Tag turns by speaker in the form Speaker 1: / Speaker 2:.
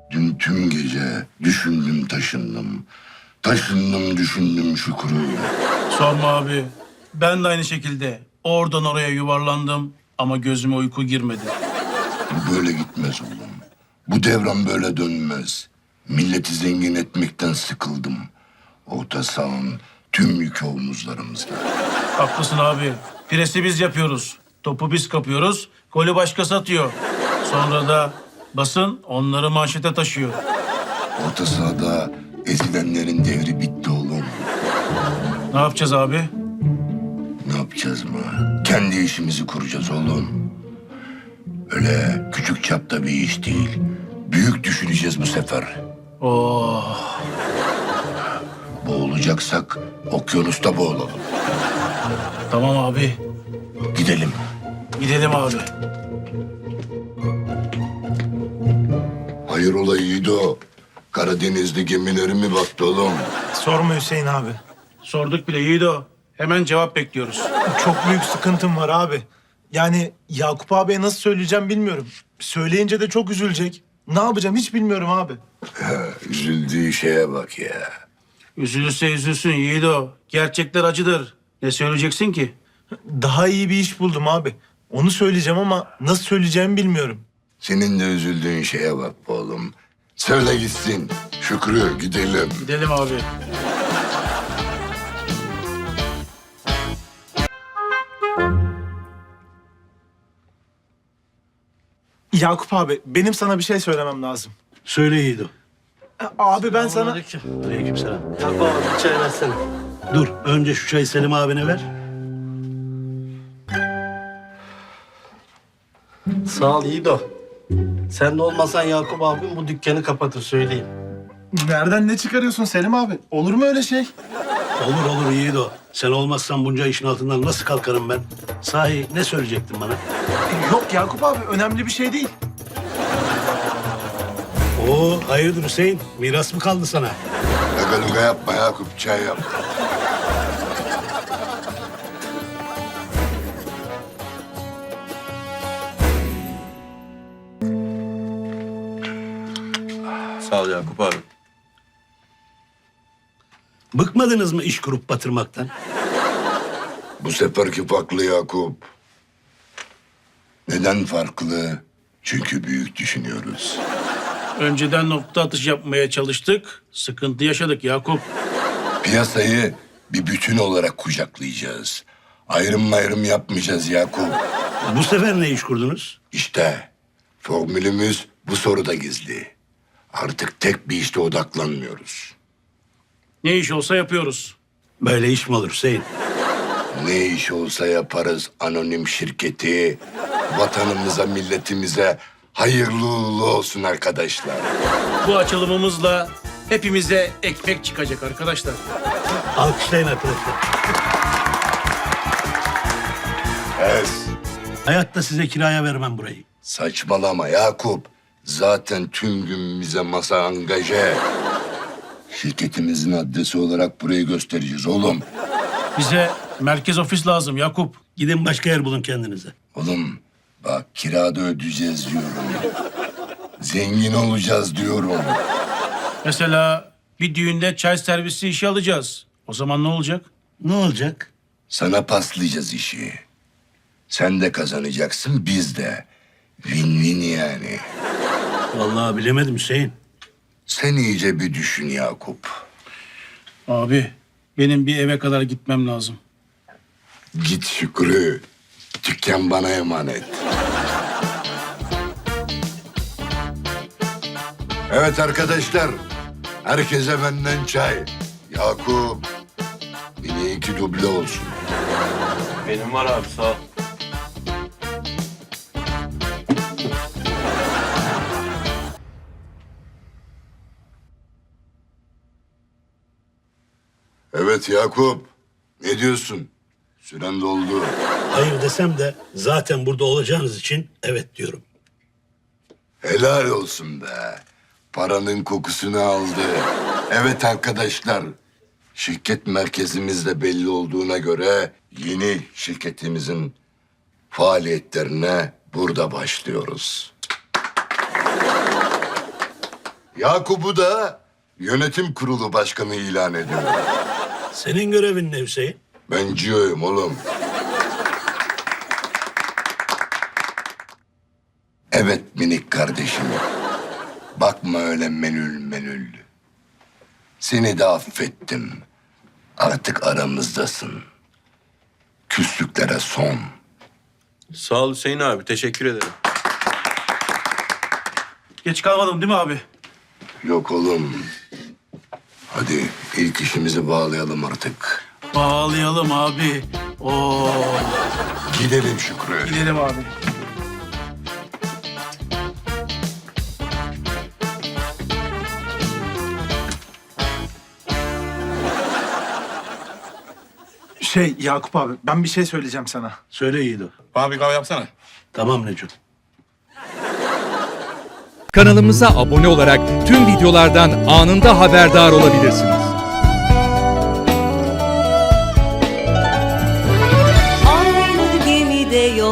Speaker 1: Dün tüm gece düşündüm taşındım. Taşındım düşündüm Şükrü.
Speaker 2: Sorma abi. Ben de aynı şekilde oradan oraya yuvarlandım ama gözüme uyku girmedi.
Speaker 1: Bu böyle gitmez oğlum. Bu devran böyle dönmez. Milleti zengin etmekten sıkıldım. Orta sahanın tüm yükü omuzlarımızda.
Speaker 2: Haklısın abi. Presi biz yapıyoruz. Topu biz kapıyoruz. Golü başkası atıyor. Sonra da basın onları manşete taşıyor.
Speaker 1: Orta sahada ezilenlerin devri bitti oğlum.
Speaker 2: Ne yapacağız abi?
Speaker 1: Ne yapacağız mı? Kendi işimizi kuracağız oğlum. Öyle küçük çapta bir iş değil. Büyük düşüneceğiz bu sefer.
Speaker 2: Oh.
Speaker 1: Boğulacaksak okyanusta boğulalım.
Speaker 2: Tamam abi.
Speaker 1: Gidelim.
Speaker 2: Gidelim abi.
Speaker 1: Hayrola Yiğido? Karadeniz'de gemileri mi battı oğlum?
Speaker 3: Sorma Hüseyin abi.
Speaker 2: Sorduk bile Yiğido. Hemen cevap bekliyoruz.
Speaker 3: Çok büyük sıkıntım var abi. Yani Yakup abiye nasıl söyleyeceğim bilmiyorum. Söyleyince de çok üzülecek. Ne yapacağım hiç bilmiyorum abi.
Speaker 1: Üzüldüğü şeye bak ya.
Speaker 2: Üzülürse üzülsün Yiğido. Gerçekler acıdır. Ne söyleyeceksin ki?
Speaker 3: Daha iyi bir iş buldum abi. Onu söyleyeceğim ama nasıl söyleyeceğimi bilmiyorum.
Speaker 1: Senin de üzüldüğün şeye bak be oğlum. Söyle gitsin. Şükrü gidelim.
Speaker 2: Gidelim abi.
Speaker 3: Yakup abi benim sana bir şey söylemem lazım.
Speaker 4: Söyle Yiğido.
Speaker 3: Abi ben sana...
Speaker 4: Aleykümselam. Yakup abi bir çay versene. Dur önce şu çayı Selim abine ver. Sağ ol Yiğido. Sen de olmasan Yakup abim bu dükkanı kapatır söyleyeyim.
Speaker 3: Nereden ne çıkarıyorsun Selim abi? Olur mu öyle şey?
Speaker 4: Olur olur Yiğido. Sen olmazsan bunca işin altından nasıl kalkarım ben? Sahi ne söyleyecektin bana?
Speaker 3: Yok Yakup abi önemli bir şey değil.
Speaker 4: Oo hayırdır Hüseyin? Miras mı kaldı sana?
Speaker 1: Lagaluga yapma Yakup, çay yap.
Speaker 5: Sağ ol Yakup abi.
Speaker 4: Bıkmadınız mı iş kurup batırmaktan?
Speaker 1: Bu seferki farklı Yakup. Neden farklı? Çünkü büyük düşünüyoruz.
Speaker 2: Önceden nokta atışı yapmaya çalıştık. Sıkıntı yaşadık Yakup.
Speaker 1: Piyasayı bir bütün olarak kucaklayacağız. Ayrım yapmayacağız Yakup.
Speaker 4: Bu sefer ne iş kurdunuz?
Speaker 1: İşte formülümüz bu soruda gizli. Artık tek bir işte odaklanmıyoruz.
Speaker 2: Ne iş olsa yapıyoruz.
Speaker 4: Böyle iş mi olur Hüseyin?
Speaker 1: Ne iş olsa yaparız anonim şirketi. Vatanımıza, milletimize hayırlı uğurlu olsun arkadaşlar.
Speaker 2: Bu açılımımızla hepimize ekmek çıkacak arkadaşlar.
Speaker 4: Alkışlayın arkadaşlar.
Speaker 1: Ez.
Speaker 4: Hayatta size kiraya vermem burayı.
Speaker 1: Saçmalama Yakup. Zaten tüm gün bize masa angaje. Şirketimizin adresi olarak burayı göstereceğiz oğlum.
Speaker 2: Bize merkez ofis lazım Yakup.
Speaker 4: Gidin başka yer bulun kendinize.
Speaker 1: Oğlum bak kirada ödeyeceğiz diyorum. Zengin olacağız diyorum.
Speaker 2: Mesela bir düğünde çay servisi işi alacağız. O zaman ne olacak?
Speaker 4: Ne olacak?
Speaker 1: Sana paslayacağız işi. Sen de kazanacaksın biz de. Win-win yani.
Speaker 4: Vallahi bilemedim Hüseyin.
Speaker 1: Sen iyice bir düşün Yakup.
Speaker 2: Abi benim bir eve kadar gitmem lazım.
Speaker 1: Git Şükrü. Dükkan bana emanet. Evet arkadaşlar. Herkese benden çay. Yakup. Yine 2 duble olsun.
Speaker 5: Benim var abi sağ ol.
Speaker 1: Evet Yakup. Ne diyorsun? Süren doldu.
Speaker 4: Hayır desem de zaten burada olacağınız için evet diyorum.
Speaker 1: Helal olsun be. Paranın kokusunu aldı. Evet arkadaşlar. Şirket merkezimiz de belli olduğuna göre yeni şirketimizin faaliyetlerine burada başlıyoruz. Yakup'u da yönetim kurulu başkanı ilan ediyorum.
Speaker 4: Senin görevin ne Hüseyin?
Speaker 1: Ben CEO'yum oğlum. Evet minik kardeşim. Bakma öyle menül. Seni de affettim. Artık aramızdasın. Küslüklere son.
Speaker 5: Sağ ol Hüseyin abi. Teşekkür ederim.
Speaker 2: Geç kalmadım değil mi abi?
Speaker 1: Yok oğlum. Hadi ilk işimizi bağlayalım artık.
Speaker 2: Bağlayalım abi. Oo.
Speaker 1: Gidelim Şükrü.
Speaker 2: Gidelim abi.
Speaker 3: Yakup abi ben bir şey söyleyeceğim sana.
Speaker 4: Söyle Yiğido.
Speaker 5: Bana bir kahve yapsana.
Speaker 4: Tamam Neco.
Speaker 6: Kanalımıza abone olarak tüm videolardan anında haberdar olabilirsiniz.
Speaker 7: Aynı gemide yol